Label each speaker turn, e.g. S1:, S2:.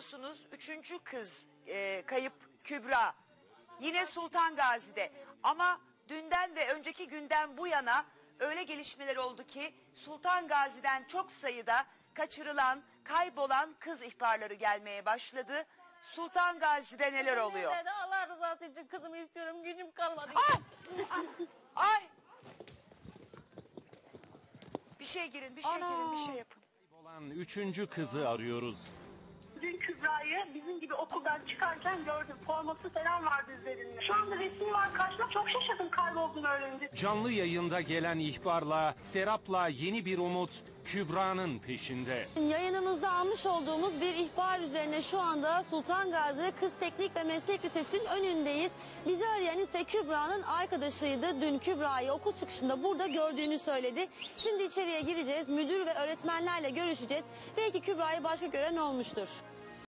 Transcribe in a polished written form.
S1: biliyorsunuz 3. kız kayıp Kübra. Yine Sultan Gazi'de. Ama dünden ve önceki günden bu yana öyle gelişmeler oldu ki Sultan Gazi'den çok sayıda kaçırılan, kaybolan kız ihbarları gelmeye başladı. Sultan Gazi'de neler oluyor?
S2: Allah rızası için kızımı istiyorum, gücüm kalmadı.
S1: Ay! Bir şey girin, bir şey girin, bir şey yapın.
S3: Olan 3. kızı arıyoruz.
S4: Dün Kübra'yı bizim gibi okuldan çıkarken gördüm. Forması falan vardı üzerinde. Şu anda resmi var karşımda. Çok şaşırdım kaybolduğunu öğrenince.
S3: Canlı yayında gelen ihbarla Serap'la yeni bir umut Kübra'nın peşinde.
S2: Yayınımızda almış olduğumuz bir ihbar üzerine şu anda Sultan Gazi Kız Teknik ve Meslek Lisesi'nin önündeyiz. Bizi arayan ise Kübra'nın arkadaşıydı. Dün Kübra'yı okul çıkışında burada gördüğünü söyledi. Şimdi içeriye gireceğiz. Müdür ve öğretmenlerle görüşeceğiz. Belki Kübra'yı başka gören olmuştur.